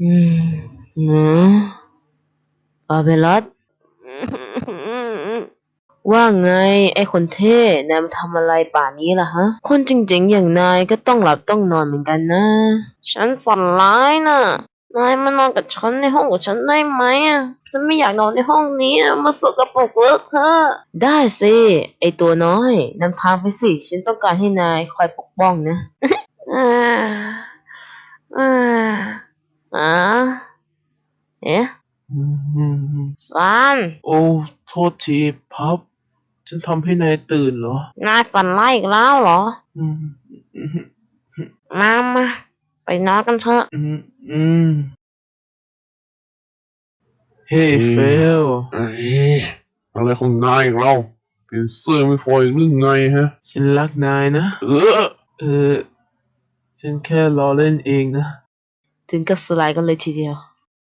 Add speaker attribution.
Speaker 1: อืมหืมปาเบลัสว่าไงไอ้คนเท่นายมาทำอะไรป่านนี้ล่ะฮะคนจริงๆอย่างนายก็ต้องหลับต้องนอนเหมือนกันนะฉันฝันร้ายน่ะนายมานอนกับฉันในห้องของฉันได้ไหมอ่ะฉันไม่อยากนอนในห้องนี้อะมาสกปรกเลอะเทอะได้สิไอ้ตัวน้อยนำทางไปสิฉันต้องการให้นายคอยปกป้องนะอ่าอ่าอ่าเอ๊ะ
Speaker 2: อืม
Speaker 1: ซัน
Speaker 2: โอ้โทษทีพับฉันทำให้นายตื่นเหรอน
Speaker 1: ายฝันร้ายอีกแล้วเหรอ
Speaker 2: อืมอืม
Speaker 1: มาไปนอนกันเถอะ
Speaker 2: อืมอืมเฮ้
Speaker 3: เฮ้
Speaker 2: เฟ
Speaker 3: ย
Speaker 2: ล
Speaker 3: เอ้ยอะไรของนายอีกเราเปลี่ยนเสื้อไม่พออีกหรือไงฮะ
Speaker 2: ฉันรักนายนะ
Speaker 3: เออ
Speaker 2: เออฉันแค่ล้อเล่นเองนะ
Speaker 1: ถึงกับสลายกันเลยทีเดียว